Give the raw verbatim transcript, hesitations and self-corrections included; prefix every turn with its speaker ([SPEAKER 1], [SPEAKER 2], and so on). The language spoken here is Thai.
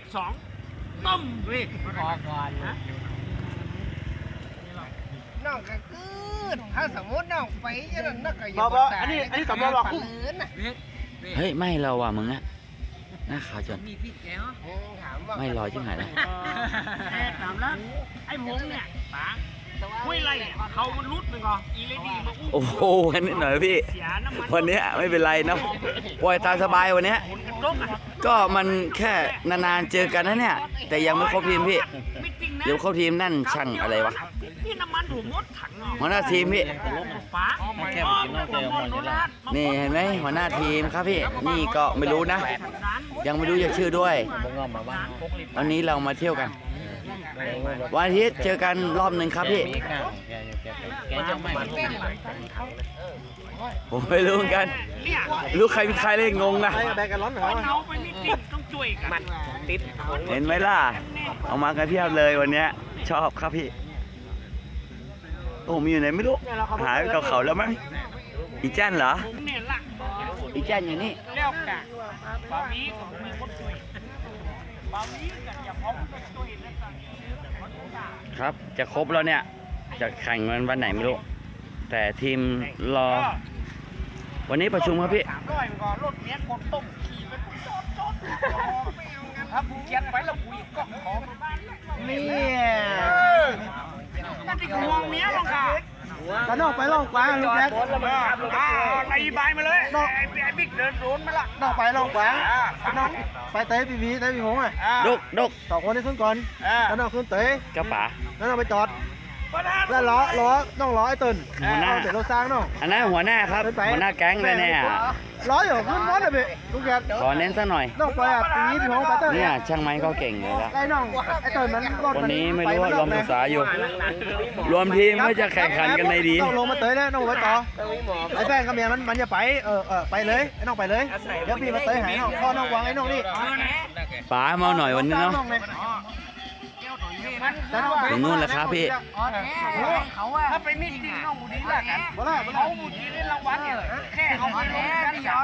[SPEAKER 1] สองต้มวิพอก่อนนะ
[SPEAKER 2] น้องก็คืดถ้าสมมติน้องไปจะนั่นนักก็อย่า
[SPEAKER 1] บอกบอกอันนี้อันนี้สมมติว่าคุ้ม
[SPEAKER 3] เฮ้ยไม่เราว่ะมึงอะหน้าขาวจน
[SPEAKER 1] มีพี่แกเหรอ
[SPEAKER 3] ไม่รอชิบหายแล้ว
[SPEAKER 1] แอบถามแล้วไอ้หงเนี่ยป๋าห้วยไรเขามันรุดมันก่อนอีเลดี้มาอุ้ม
[SPEAKER 3] โอ้โหวันนี้หน่อยพี่
[SPEAKER 1] เสียน้ำมัน
[SPEAKER 3] วันนี้ไม่เป็นไรนะปล่อยตามสบายวันนี้
[SPEAKER 1] รกอ่ะ
[SPEAKER 3] ก็มันแค่นานๆเจอกันนะเนี่ย แต่ยังไม่ครบทีมพี่
[SPEAKER 1] ไม่จริงนะ
[SPEAKER 3] เดี๋ยวครบทีมนั่นช่างอะไรวะ
[SPEAKER 1] พี่น้ำมันถูกมดถัง
[SPEAKER 3] หัวหน้าทีมพี่
[SPEAKER 1] ป๋า
[SPEAKER 4] แค่กินนอกเจอหมดอยู่แล้ว
[SPEAKER 3] นี่เห็นไหมหัวหน้าทีมครับพี่ นี่ก็ไม่รู้นะ ยังไม่รู้จะชื่อด้วย
[SPEAKER 4] ผมงอมมาบ้าง
[SPEAKER 3] วันนี้เรามาเที่ยวกัน วันอาทิตย์เจอกันรอบหนึ่งครับพี่
[SPEAKER 4] มีข้าวแกแกแกจะไม่มาลูก
[SPEAKER 3] ผมไม่รู้เหมือนกัน
[SPEAKER 1] เนี่ย
[SPEAKER 3] รู้ใครเป็นใครเลยงงนะ
[SPEAKER 2] แบกกันร้อนเหรอ
[SPEAKER 1] คนเอาไปไม่ติดต้องช่วยกันติด
[SPEAKER 3] เห็นไหมล่ะ เอามากันเพียบเลยวันเนี้ยชอบครับพี่ โอ้มีอยู่ไหนไม่รู้ หายไปกับเขาแล้วมั้ง อีแจ้นเหรอ
[SPEAKER 1] ผมเนี่ยละ
[SPEAKER 3] อีแจ้นอยู่นี่
[SPEAKER 1] แล้วกันบาวีของมีคนช่วยบาวีกันอย่าพร้อมก็ช่วยนะจ๊ะ
[SPEAKER 3] ครับ จะครบแล้วเนี่ย จะแข่งวันวันไหนไม่รู้ แต่ทีมรอ วันนี้ประชุมครับพี่
[SPEAKER 1] สามร้อยมันก็รถเนี้ยคนต้มขี่ไปปุ๊บจอดจอดครับเขียนไปแล้วคุยก็ขอมาบ้านนี่นั่นที่ห่วงเมียลงค่ะ
[SPEAKER 2] กระนอกไปล่องกวางลูกแบก
[SPEAKER 1] อ่าไล่ใบมาเลยไอ้ไอ้บิ๊กเดินโดนมาละ
[SPEAKER 2] นอกไปล่องกวาง
[SPEAKER 1] อ่า
[SPEAKER 2] น้องไปเตะปีวีเตะปีหงอ่ะ
[SPEAKER 3] ดกดก
[SPEAKER 2] สองคนนี้ขึ้นก่อน
[SPEAKER 1] อ่า
[SPEAKER 2] แล้วน้องขึ้นเตะ
[SPEAKER 3] กระป๋า
[SPEAKER 2] แล้วน้องไปจอดแล้วล้อล้อต้องล้อไอ้ตุน
[SPEAKER 3] หัวหน้า
[SPEAKER 2] เอาเสร็จรถสร้างน้อง
[SPEAKER 3] อันนั้นหัวหน้าครับ หัวหน้าแก๊งเลยเนี่ย
[SPEAKER 2] ล้ออยู่ขึ้นรถเลยพี่ลูกแบก
[SPEAKER 3] ขอเน้นสักหน่อย
[SPEAKER 2] น้องไปอ่ะปีวีปีหงไปเตะ
[SPEAKER 3] เนี่ยช่างไม้เขาเก่งเลยละ
[SPEAKER 2] ไอ้น้องไอ้ตุนมันรถ
[SPEAKER 3] วันนี้ไม่รู้ว่ารวมศึกษาอยู่ รวมทีมว่าจะแข่งขันกันในดี
[SPEAKER 2] น้องลงมาเตะเลยน้องไปต่อไอ้แฟนกับเมียมันมันจะไปเออเออไปเลยไอ้น้องไปเลยเดี๋ยวพี่มาเตะหายน้องพ่อน้องวางไอ้น้องนี่
[SPEAKER 3] ป๋ามาหน่อยวันนี้เนาะ
[SPEAKER 2] องเลย
[SPEAKER 3] ถึงนู่นแล้วครับพี่
[SPEAKER 1] ถ้าไปมิตติ้งน้องบุดีละกัน
[SPEAKER 2] บ่ได้บ่ได้
[SPEAKER 1] เขาบุดีได้รางวัลเนี่ยแค่เอาไปลงกัน